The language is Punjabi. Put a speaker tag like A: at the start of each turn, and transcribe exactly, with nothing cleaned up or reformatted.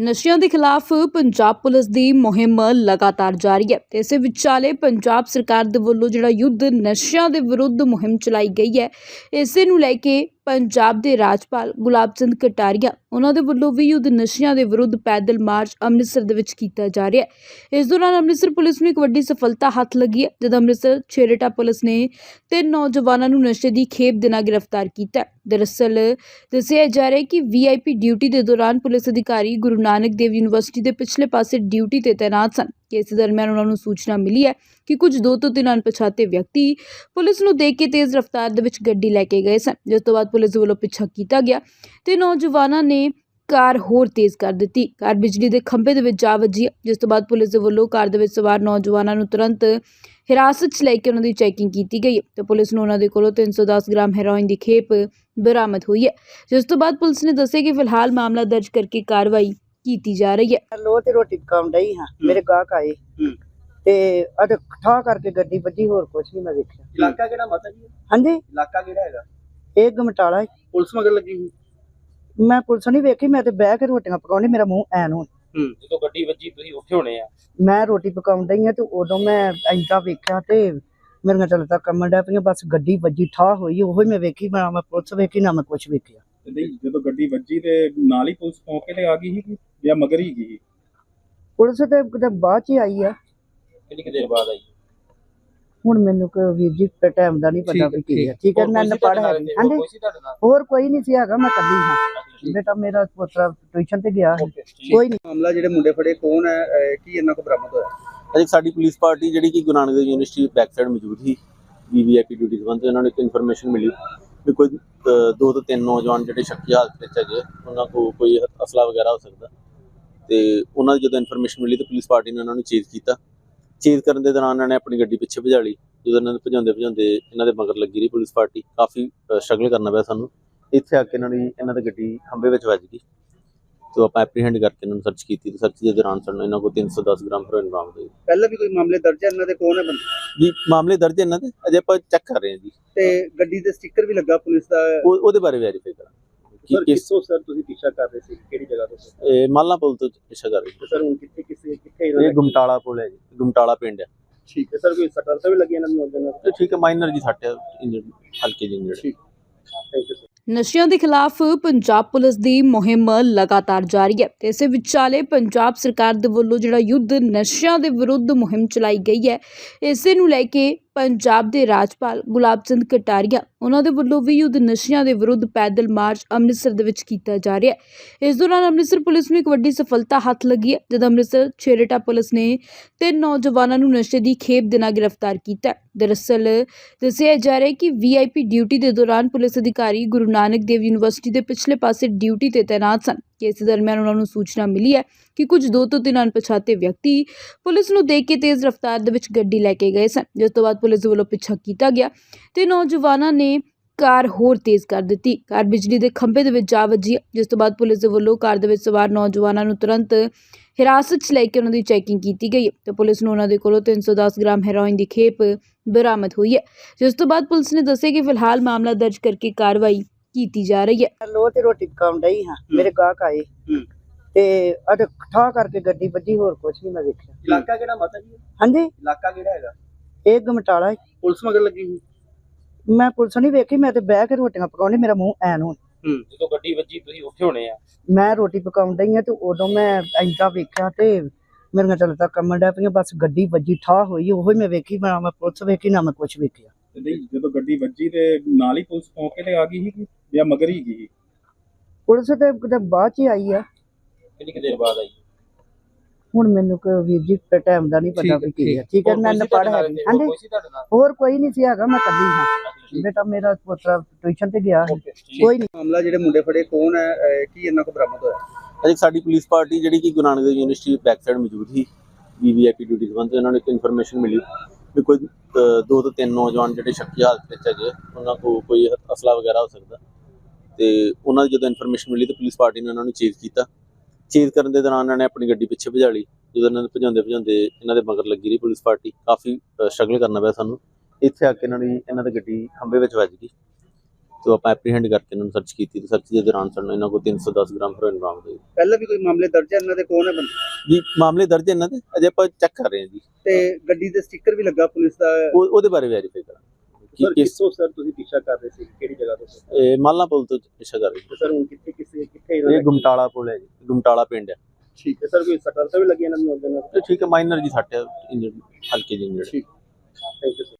A: ਨਸ਼ਿਆਂ ਦੇ ਖਿਲਾਫ ਪੰਜਾਬ ਪੁਲਿਸ ਦੀ ਮੁਹਿੰਮ ਲਗਾਤਾਰ ਜਾਰੀ ਹੈ ਤੇ ਇਸੇ ਵਿਚਾਲੇ ਪੰਜਾਬ ਸਰਕਾਰ ਦੇ ਵੱਲੋਂ ਜਿਹੜਾ ਯੁੱਧ ਨਸ਼ਿਆਂ ਦੇ ਵਿਰੁੱਧ ਮੁਹਿੰਮ ਚਲਾਈ ਗਈ ਹੈ, ਇਸੇ ਨੂੰ ਲੈ ਕੇ ਪੰਜਾਬ ਦੇ ਰਾਜਪਾਲ ਗੁਲਾਬ ਚੰਦ ਕਟਾਰੀਆ ਉਹਨਾਂ ਦੇ ਵੱਲੋਂ ਵੀ ਯੁੱਧ ਨਸ਼ਿਆਂ ਦੇ ਵਿਰੁੱਧ ਪੈਦਲ ਮਾਰਚ ਅੰਮ੍ਰਿਤਸਰ ਦੇ ਵਿੱਚ ਕੀਤਾ ਜਾ ਰਿਹਾ ਹੈ। ਇਸ ਦੌਰਾਨ ਅੰਮ੍ਰਿਤਸਰ ਪੁਲਿਸ ਨੂੰ ਇੱਕ ਵੱਡੀ ਸਫਲਤਾ ਹੱਥ ਲੱਗੀ ਹੈ, ਜਦ ਅੰਮ੍ਰਿਤਸਰ ਛੇਰੇਟਾ ਪੁਲਿਸ ਨੇ ਤਿੰਨ ਨੌਜਵਾਨਾਂ ਨੂੰ ਨਸ਼ੇ ਦੀ ਖੇਪ ਦੇ ਨਾਲ ਗ੍ਰਿਫਤਾਰ ਕੀਤਾ। ਦਰਅਸਲ ਦੱਸਿਆ ਜਾ ਰਿਹਾ ਹੈ ਕਿ ਵੀ ਆਈ ਪੀ ਡਿਊਟੀ ਦੇ ਦੌਰਾਨ ਪੁਲਿਸ ਅਧਿਕਾਰੀ ਗੁਰੂ ਨਾਨਕ ਦੇਵ ਯੂਨੀਵਰਸਿਟੀ ਦੇ ਪਿਛਲੇ ਪਾਸੇ ਡਿਊਟੀ ਤੇ ਤੈਨਾਤ ਸਨ। ਇਸ ਦਰਮਿਆਨ ਉਹਨਾਂ ਨੂੰ ਸੂਚਨਾ ਮਿਲੀ ਹੈ ਕਿ ਕੁਝ ਦੋ ਤੋਂ ਤਿੰਨ ਅਣਪਛਾਤੇ ਵਿਅਕਤੀ ਪੁਲਿਸ ਨੂੰ ਦੇਖ ਕੇ ਤੇਜ਼ ਰਫ਼ਤਾਰ ਦੇ ਵਿੱਚ ਗੱਡੀ ਲੈ ਕੇ ਗਏ ਸਨ, ਜਿਸ ਤੋਂ ਬਾਅਦ ਪੁਲਿਸ ਵੱਲੋਂ ਪਿੱਛਾ ਕੀਤਾ ਗਿਆ ਤੇ ਨੌਜਵਾਨਾਂ ਨੇ ਕਾਰ ਹੋਰ ਤੇਜ਼ ਕਰ ਦਿੱਤੀ। ਕਾਰ ਬਿਜਲੀ ਦੇ ਖੰਭੇ ਦੇ ਵਿੱਚ ਜਾ ਵੱਜੀ, ਜਿਸ ਤੋਂ ਬਾਅਦ ਪੁਲਿਸ ਦੇ ਵੱਲੋਂ ਕਾਰ ਦੇ ਵਿੱਚ ਸਵਾਰ ਨੌਜਵਾਨਾਂ ਨੂੰ ਤੁਰੰਤ ਹਿਰਾਸਤ 'ਚ ਲੈ ਕੇ ਉਹਨਾਂ ਦੀ ਚੈਕਿੰਗ ਕੀਤੀ ਗਈ ਤੇ ਪੁਲਿਸ ਨੂੰ ਉਹਨਾਂ ਦੇ ਕੋਲੋਂ ਤਿੰਨ ਸੌ ਦਸ ਗ੍ਰਾਮ ਹੈਰੋਇਨ ਦੀ ਖੇਪ ਬਰਾਮਦ ਹੋਈ ਹੈ, ਜਿਸ ਤੋਂ ਬਾਅਦ ਪੁਲਿਸ ਨੇ ਦੱਸਿਆ ਕਿ ਫਿਲਹਾਲ ਮਾਮਲਾ ਦਰਜ ਕਰਕੇ ਕਾਰਵਾਈ ਕੀਤੀ ਜਾ ਰਹੀ ਹੈ।
B: ਲੋ ਤੇ ਰੋਟੀ ਪਕਾਉਣ ਡਈ ਹਾਂ, ਮੇਰੇ ਗਾਹਕ ਆਏ ਤੇ ਅਦ ਠਾ ਕਰਕੇ ਗੱਡੀ ਵੱਜੀ, ਹੋਰ ਕੁਝ ਨਹੀਂ ਮੈਂ ਵੇਖਿਆ।
C: ਇਲਾਕਾ ਕਿਹੜਾ ਮਾਤਾ ਜੀ?
B: ਹਾਂਜੀ,
C: ਇਲਾਕਾ ਕਿਹੜਾ ਹੈਗਾ?
B: ਇਹ ਗਮਟਾਲਾ।
C: ਪੁਲਿਸ ਮਗਰ ਲੱਗੀ ਹੋਈ?
B: ਮੈਂ ਪੁਲਿਸ ਨਹੀਂ ਵੇਖੀ, ਮੈਂ ਤੇ ਬਹਿ ਕੇ ਰੋਟੀਆਂ ਪਕਾਉਣੀ, ਮੇਰਾ ਮੂੰਹ ਐਨ ਹੋ।
C: ਹੂੰ, ਜਦੋਂ ਗੱਡੀ ਵੱਜੀ ਤੁਸੀਂ ਉੱਥੇ ਹੋਣੇ ਆ?
B: ਮੈਂ ਰੋਟੀ ਪਕਾਉਣ ਡਈ ਹਾਂ ਤੇ ਉਦੋਂ ਮੈਂ ਐਂਦਾ ਵੇਖਿਆ ਤੇ ਮੇਰੀਆਂ ਚੱਲਦਾ ਕੰਮਣ ਡਿਆ ਪਈਆਂ, ਬਸ ਗੱਡੀ ਵੱਜੀ ਠਾ ਹੋਈ, ਉਹੀ ਮੈਂ ਵੇਖੀ। ਮੈਂ ਮੈਂ ਪੁਲਿਸ ਵੇਖੀ ਨਾ ਮੈਂ ਕੁਝ ਵੇਖਿਆ।
D: ਨਹੀਂ, ਜਦੋਂ ਗੱਡੀ ਵੱਜੀ ਤੇ ਨਾਲ ਹੀ ਪੁਲਿਸ ਮੌਕੇ ਤੇ ਆ ਗਈ ਸੀ ਜਾਂ ਮਗਰ ਹੀ ਗਈ?
B: ਪੁਲਿਸ ਤੇ ਕਿਤੇ ਬਾਅਦ ਚ ਹੀ ਆਈ ਆ।
C: ਕਿੰਨੀ ਕੁ ਦੇਰ ਬਾਅਦ ਆਈ?
B: ਹੁਣ ਮੈਨੂੰ ਕੋਈ ਵੀਰ ਜੀ ਟਾਈਮ ਦਾ ਨਹੀਂ ਪਤਾ ਵੀ ਕੀ ਹੈ। ਠੀਕ ਹੈ, ਮੈਂ ਪੜ੍ਹ ਹੈ। ਹਾਂਜੀ, ਹੋਰ ਕੋਈ ਨਹੀਂ ਸੀ ਹੈਗਾ, ਮੈਂ ਕੱਲੀ ਹਾਂ। ਬੇਟਾ ਮੇਰਾ ਪੁੱਤਰ ਟਿਊਸ਼ਨ ਤੇ ਗਿਆ, ਕੋਈ ਨਹੀਂ।
C: ਮਾਮਲਾ ਜਿਹੜੇ ਮੁੰਡੇ ਫੜੇ ਕੌਣ ਹੈ, ਕੀ ਇਹਨਾਂ ਕੋ ਬਰਾਮਦ ਹੋਇਆ?
E: ਅਜੇ ਸਾਡੀ ਪੁਲਿਸ ਪਾਰਟੀ ਜਿਹੜੀ ਕਿ Guru Nanak Dev university back side ਮੌਜੂਦ ਸੀ, ਵੀ ਆਈ ਪੀ ਡਿਊਟੀ ਸੰਬੰਧ ਉਹਨਾਂ ਨੂੰ ਇੱਕ ਇਨਫੋਰਮੇਸ਼ਨ ਮਿਲੀ ਵੀ ਕੋਈ ਦੋ ਤੋਂ ਤਿੰਨ ਨੌਜਵਾਨ ਜਿਹੜੇ ਸ਼ੱਕੀ ਹਾਲਤ ਵਿੱਚ ਹੈਗੇ, ਉਹਨਾਂ ਕੋਲ ਕੋਈ ਅਸਲਾ ਵਗੈਰਾ ਹੋ ਸਕਦਾ। ਤੇ ਉਹਨਾਂ ਦੀ ਜਦੋਂ ਇਨਫੋਰਮੇਸ਼ਨ ਮਿਲੀ ਤਾਂ ਪੁਲਿਸ ਪਾਰਟੀ ਨੇ ਉਹਨਾਂ ਨੂੰ ਚੇਜ਼ ਕੀਤਾ। ਚੇਜ਼ ਕਰਨ ਦੇ ਦੌਰਾਨ ਇਹਨਾਂ ਨੇ ਆਪਣੀ ਗੱਡੀ ਪਿੱਛੇ ਭਜਾ ਲਈ। ਜਦੋਂ ਇਹਨਾਂ ਨੂੰ ਭਜਾਉਂਦੇ ਭਜਾਉਂਦੇ ਇਹਨਾਂ ਦੇ ਮਗਰ ਲੱਗੀ ਰਹੀ ਪੁਲਿਸ ਪਾਰਟੀ, ਕਾਫੀ ਸਟਰਗਲ ਕਰਨਾ ਪਿਆ ਸਾਨੂੰ। ਇੱਥੇ ਆ ਕੇ ਇਹਨਾਂ ਦੀ ਇਹਨਾਂ ਦੀ ਗੱਡੀ ਖੰਭੇ ਵਿੱਚ ਵੱਜ ਗਈ ਤੇ ਆਪਾਂ ਐਪਰੀਹੈਂਡ ਕਰਕੇ ਇਹਨਾਂ ਨੂੰ ਸਰਚ ਕੀਤੀ ਤੇ ਸਰਚ ਦੇ ਦੌਰਾਨ ਸਾਨੂੰ ਇਹਨਾਂ ਕੋਲ ਤਿੰਨ ਸੌ ਦਸ ਗ੍ਰਾਮ ਹੈਰੋਇਨ ਬਰਾਮਦ ਹੋਈ।
C: ਪਹਿਲਾਂ ਵੀ ਕੋਈ ਮਾਮਲੇ ਦਰਜ ਹੈ ਇਹਨਾਂ ਦੇ? ਕੌਣ ਹੈ ਬੰਦੇ
E: ਜੀ? ਮਾਮਲੇ ਦਰਜ ਇਹਨਾਂ ਦੇ ਅਜੇ ਆਪਾਂ ਚੈੱਕ ਕਰ ਰਹੇ ਹਾਂ ਜੀ।
C: ਤੇ ਗੱਡੀ ਦੇ ਸਟicker ਵੀ ਲੱਗਾ ਪੁਲਿਸ ਦਾ,
E: ਉਹਦੇ ਬਾਰੇ ਵੈਰੀਫਾਈ ਕਰਾਂਗੇ।
C: ਸਰ ਕਿੱਥੋਂ ਸਰ ਤੁਸੀਂ ਪਿੱਛਾ ਕਰ ਰਹੇ ਸੀ, ਕਿਹੜੀ ਜਗ੍ਹਾ ਤੋਂ?
E: ਇਹ ਮਾਲਾ ਪੁਲ ਤੋਂ ਪਿੱਛਾ ਕਰ ਰਹੇ
C: ਸਰ ਹੁਣ ਕਿੱਥੇ ਕਿਸੇ ਕਿੱਥੇ?
E: ਇਹ ਗੁਮਟਾਲਾ ਪੁਲ ਹੈ ਜੀ, ਗੁਮਟਾਲਾ ਪਿੰਡ ਹੈ।
C: ਠੀਕ ਹੈ ਸਰ, ਕੋਈ ਸੱਟਾਂ ਤਾਂ ਵੀ ਲੱਗੀਆਂ ਇਹਨਾਂ ਨੂੰ?
E: ਠੀਕ ਹੈ, ਮਾਈਨਰ ਜੀ ਸੱਟ ਹੈ, ਹਲਕੇ ਜਿਹੇ ਇੰਜਰਡ।
C: ਠੀਕ, ਥੈਂਕ ਯੂ ਸਰ।
A: ਨਸ਼ਿਆਂ ਦੇ ਖਿਲਾਫ ਪੰਜਾਬ ਪੁਲਿਸ ਦੀ ਮੁਹਿੰਮ ਲਗਾਤਾਰ ਜਾਰੀ ਹੈ ਤੇ ਇਸੇ ਵਿਚਾਲੇ ਪੰਜਾਬ ਸਰਕਾਰ ਦੇ ਵੱਲੋਂ ਜਿਹੜਾ ਯੁੱਧ ਨਸ਼ਿਆਂ ਦੇ ਵਿਰੁੱਧ ਮੁਹਿੰਮ ਚਲਾਈ ਗਈ ਹੈ, ਇਸੇ ਨੂੰ ਲੈ ਕੇ ਪੰਜਾਬ ਦੇ ਰਾਜਪਾਲ ਗੁਲਾਬ ਚੰਦ ਕਟਾਰੀਆ ਉਹਨਾਂ ਦੇ ਵੱਲੋਂ ਵੀ ਯੁੱਧ ਨਸ਼ਿਆਂ ਦੇ ਵਿਰੁੱਧ ਪੈਦਲ ਮਾਰਚ ਅੰਮ੍ਰਿਤਸਰ ਦੇ ਵਿੱਚ ਕੀਤਾ ਜਾ ਰਿਹਾ ਹੈ। ਇਸ ਦੌਰਾਨ ਅੰਮ੍ਰਿਤਸਰ ਪੁਲਿਸ ਨੂੰ ਇੱਕ ਵੱਡੀ ਸਫਲਤਾ ਹੱਥ ਲੱਗੀ ਹੈ, ਜਦ ਅੰਮ੍ਰਿਤਸਰ ਛੇਰੇਟਾ ਪੁਲਿਸ ਨੇ ਤਿੰਨ ਨੌਜਵਾਨਾਂ ਨੂੰ ਨਸ਼ੇ ਦੀ ਖੇਪ ਦੇ ਨਾਲ ਗ੍ਰਿਫਤਾਰ ਕੀਤਾ। ਦਰਅਸਲ ਦੱਸਿਆ ਜਾ ਰਿਹਾ ਹੈ ਕਿ ਵੀ ਆਈ ਪੀ ਡਿਊਟੀ ਦੇ ਦੌਰਾਨ ਪੁਲਿਸ ਅਧਿਕਾਰੀ ਗੁਰੂ ਨਾਨਕ ਦੇਵ ਯੂਨੀਵਰਸਿਟੀ ਦੇ ਪਿਛਲੇ ਪਾਸੇ ਡਿਊਟੀ ਤੇ ਤੈਨਾਤ ਸਨ। ਇਸ ਦਰਮਿਆਨ ਉਹਨਾਂ ਨੂੰ ਸੂਚਨਾ ਮਿਲੀ ਹੈ ਕਿ ਕੁਝ ਦੋ ਤੋਂ ਤਿੰਨ ਅਣਪਛਾਤੇ ਵਿਅਕਤੀ ਪੁਲਿਸ ਨੂੰ ਦੇਖ ਕੇ ਤੇਜ਼ ਰਫ਼ਤਾਰ ਦੇ ਵਿੱਚ ਗੱਡੀ ਲੈ ਕੇ ਗਏ ਸਨ, ਜਿਸ ਤੋਂ ਬਾਅਦ ਪੁਲਿਸ ਦੇ ਵੱਲੋਂ ਪਿੱਛਾ ਕੀਤਾ ਗਿਆ ਤੇ ਨੌਜਵਾਨਾਂ ਨੇ ਕਾਰ ਹੋਰ ਤੇਜ਼ ਕਰ ਦਿੱਤੀ। ਕਾਰ ਬਿਜਲੀ ਦੇ ਖੰਭੇ ਦੇ ਵਿੱਚ ਜਾ ਵੱਜੀ, ਜਿਸ ਤੋਂ ਬਾਅਦ ਪੁਲਿਸ ਦੇ ਵੱਲੋਂ ਕਾਰ ਦੇ ਵਿੱਚ ਸਵਾਰ ਨੌਜਵਾਨਾਂ ਨੂੰ ਤੁਰੰਤ ਹਿਰਾਸਤ 'ਚ ਲੈ ਕੇ ਉਹਨਾਂ ਦੀ ਚੈਕਿੰਗ ਕੀਤੀ ਗਈ ਤੇ ਪੁਲਿਸ ਨੂੰ ਉਹਨਾਂ ਦੇ ਕੋਲੋਂ ਤਿੰਨ ਸੌ ਦਸ ਗ੍ਰਾਮ ਹੈਰੋਇਨ ਦੀ ਖੇਪ ਬਰਾਮਦ ਹੋਈ ਹੈ, ਜਿਸ ਤੋਂ ਬਾਅਦ ਪੁਲਿਸ ਨੇ ਦੱਸਿਆ ਕਿ ਫਿਲਹਾਲ ਮਾਮਲਾ ਦਰਜ ਕਰਕੇ ਕਾਰਵਾਈ ਕੀਤੀ ਜਾ ਰਹੀ ਹੈ।
B: ਲੋ ਤੇ ਰੋਟੀ ਪਕਾਉਣ ਡਈ ਹਾਂ, ਮੇਰੇ ਗਾਹਕ ਆਏ ਤੇ ਅਦ ਠਾ ਕਰਕੇ ਗੱਡੀ ਵੱਜੀ, ਹੋਰ ਕੁਝ ਨਹੀਂ ਮੈਂ ਵੇਖਿਆ।
C: ਇਲਾਕਾ ਕਿਹੜਾ ਮਾਤਾ ਜੀ?
B: ਹਾਂਜੀ,
C: ਇਲਾਕਾ ਕਿਹੜਾ ਹੈਗਾ?
B: ਇਹ ਗਮਟਾਲਾ।
C: ਪੁਲਿਸ ਮਗਰ ਲੱਗੀ ਹੋਈ?
B: ਮੈਂ ਪੁਲਿਸ ਨਹੀਂ ਵੇਖੀ, ਮੈਂ ਤੇ ਬਹਿ ਕੇ ਰੋਟੀਆਂ ਪਕਾਉਣੀ, ਮੇਰਾ ਮੂੰਹ ਐਨ ਹੋ।
C: ਹੂੰ, ਜਦੋਂ ਗੱਡੀ ਵੱਜੀ ਤੁਸੀਂ ਉੱਥੇ ਹੋਣੇ ਆ?
B: ਮੈਂ ਰੋਟੀ ਪਕਾਉਣ ਡਈ ਹਾਂ ਤੇ ਉਦੋਂ ਮੈਂ ਐਂਦਾ ਵੇਖਿਆ ਤੇ ਮੇਰੀਆਂ ਚੱਲਦਾ ਕੰਮਣ ਡਿਆ ਪਈਆਂ, ਬਸ ਗੱਡੀ ਵੱਜੀ ਠਾ ਹੋਈ, ਉਹੀ ਮੈਂ ਵੇਖੀ। ਮੈਂ ਮੈਂ ਪੁਲਿਸ ਵੇਖੀ ਨਾ ਮੈਂ ਕੁਝ ਵੇਖਿਆ।
D: ਨਹੀਂ, ਜਦੋਂ ਗੱਡੀ ਵੱਜੀ ਤੇ ਨਾਲ ਹੀ ਪੁਲਿਸ ਮੌਕੇ ਤੇ ਆ ਗਈ ਸੀ ਜਾਂ ਮਗਰ ਹੀ ਗਈ?
B: ਪੁਲਿਸ ਤੇ ਕਿਤੇ ਬਾਅਦ ਚ ਹੀ ਆਈ ਆ।
C: ਕਿੰਨੀ ਕੁ ਦੇਰ ਬਾਅਦ ਆਈ?
B: ਹੁਣ ਮੈਨੂੰ ਕੋਈ ਵੀਰ ਜੀ ਟਾਈਮ ਦਾ ਨਹੀਂ ਪਤਾ ਵੀ ਕੀ ਹੈ। ਠੀਕ ਹੈ, ਮੈਂ ਪੜ੍ਹ ਹੈ। ਹਾਂਜੀ, ਹੋਰ ਕੋਈ ਨਹੀਂ ਸੀ ਹੈਗਾ, ਮੈਂ ਕੱਲੀ ਹਾਂ। ਬੇਟਾ ਮੇਰਾ ਪੁੱਤਰ ਟਿਊਸ਼ਨ ਤੇ ਗਿਆ, ਕੋਈ ਨਹੀਂ।
C: ਮਾਮਲਾ ਜਿਹੜੇ ਮੁੰਡੇ ਫੜੇ ਕੌਣ ਹੈ, ਕੀ ਇਹਨਾਂ ਕੋ ਬਰਾਮਦ ਹੋਇਆ?
E: ਅਜੇ ਸਾਡੀ ਪੁਲਿਸ ਪਾਰਟੀ ਜਿਹੜੀ ਕਿ Guru Nanak Dev university back side ਮੌਜੂਦ ਸੀ, ਵੀ ਆਈ ਪੀ ਡਿਊਟੀ ਸੰਬੰਧ ਉਹਨਾਂ ਨੂੰ ਇੱਕ ਇਨਫੋਰਮੇਸ਼ਨ ਮਿਲੀ ਵੀ ਕੋਈ ਦੋ ਤੋਂ ਤਿੰਨ ਨੌਜਵਾਨ ਜਿਹੜੇ ਸ਼ੱਕੀ ਹਾਲਤ ਵਿੱਚ ਹੈਗੇ, ਉਹਨਾਂ ਕੋਲ ਕੋਈ ਅਸਲਾ ਵਗੈਰਾ ਹੋ ਸਕਦਾ। ਤੇ ਉਹਨਾਂ ਦੀ ਜਦੋਂ ਇਨਫੋਰਮੇਸ਼ਨ ਮਿਲੀ ਤਾਂ ਪੁਲਿਸ ਪਾਰਟੀ ਨੇ ਉਹਨਾਂ ਨੂੰ ਚੇਜ਼ ਕੀਤਾ। ਚੇਜ਼ ਕਰਨ ਦੇ ਦੌਰਾਨ ਇਹਨਾਂ ਨੇ ਆਪਣੀ ਗੱਡੀ ਪਿੱਛੇ ਭਜਾ ਲਈ। ਜਦੋਂ ਇਹਨਾਂ ਨੂੰ ਭਜਾਉਂਦੇ ਭਜਾਉਂਦੇ ਇਹਨਾਂ ਦੇ ਮਗਰ ਲੱਗੀ ਰਹੀ ਪੁਲਿਸ ਪਾਰਟੀ, ਕਾਫੀ ਸਟਰਗਲ ਕਰਨਾ ਪਿਆ ਸਾਨੂੰ। ਇੱਥੇ ਆ ਕੇ ਇਹਨਾਂ ਦੀ ਇਹਨਾਂ ਦੀ ਗੱਡੀ ਖੰਭੇ ਵਿੱਚ ਵੱਜ ਗਈ ਤੋਂ ਆਪਾਂ ਐਪਰੀਹੈਂਡ ਕਰਕੇ ਇਹਨਾਂ ਨੂੰ ਸਰਚ ਕੀਤੀ ਤੇ ਸਰਚ ਦੇ ਦੌਰਾਨ ਸਾਨੂੰ ਇਹਨਾਂ ਕੋਲ ਤਿੰਨ ਸੌ ਦਸ ਗ੍ਰਾਮ ਹੈਰੋਇਨ ਬਰਾਮਦ ਹੋਈ।
C: ਪਹਿਲਾਂ ਵੀ ਕੋਈ ਮਾਮਲੇ ਦਰਜ ਹੈ ਇਹਨਾਂ ਦੇ, ਕੌਣ ਹੈ ਬੰਦੇ?
E: ਜੀ ਮਾਮਲੇ ਦਰਜ ਹੈ ਇਹਨਾਂ ਦੇ, ਅਜੇ ਆਪਾਂ ਚੈੱਕ ਕਰ ਰਹੇ ਹਾਂ ਜੀ।
C: ਤੇ ਗੱਡੀ ਤੇ ਸਟicker ਵੀ ਲੱਗਾ ਪੁਲਿਸ ਦਾ।
E: ਉਹ ਉਹਦੇ ਬਾਰੇ ਵੈਰੀਫਾਈ ਕਰਾਂਗੇ
C: ਸਰ
E: ਕਿ ਕਿਸ
C: ਕਿੱਥੋਂ ਸਰ ਤੁਸੀਂ ਪਿੱਛਾ ਕਰ ਰਹੇ ਸੀ, ਕਿਹੜੀ ਜਗ੍ਹਾ ਤੋਂ?
E: ਇਹ ਮਾਲਾ ਪੁਲ ਤੋਂ ਪਿੱਛਾ ਕਰ ਰਹੇ
C: ਸਰ ਹੁਣ ਕਿੱਥੇ ਕਿਸੇ ਕਿੱਥੇ
E: ਹਾਂ। ਇਹ ਗੁਮਟਾਲਾ ਪੁਲ ਹੈ ਜੀ, ਗੁਮਟਾਲਾ ਪਿੰਡ ਹੈ।
C: ਠੀਕ ਹੈ ਸਰ, ਕੋਈ ਸੱਟਾਂ ਤਾਂ ਵੀ ਲੱਗੀਆਂ ਇਹਨਾਂ ਨੂੰ?
E: ਤੇ ਠੀਕ ਹੈ, ਮਾਈਨਰ ਜੀ ਸੱਟ ਹੈ, ਇੰਜਰਡ ਹਲਕੇ ਜਿਹੀ ਇੰਜਰਡ।
C: ਠੀਕ, ਥੈਂਕ ਯੂ ਸਰ।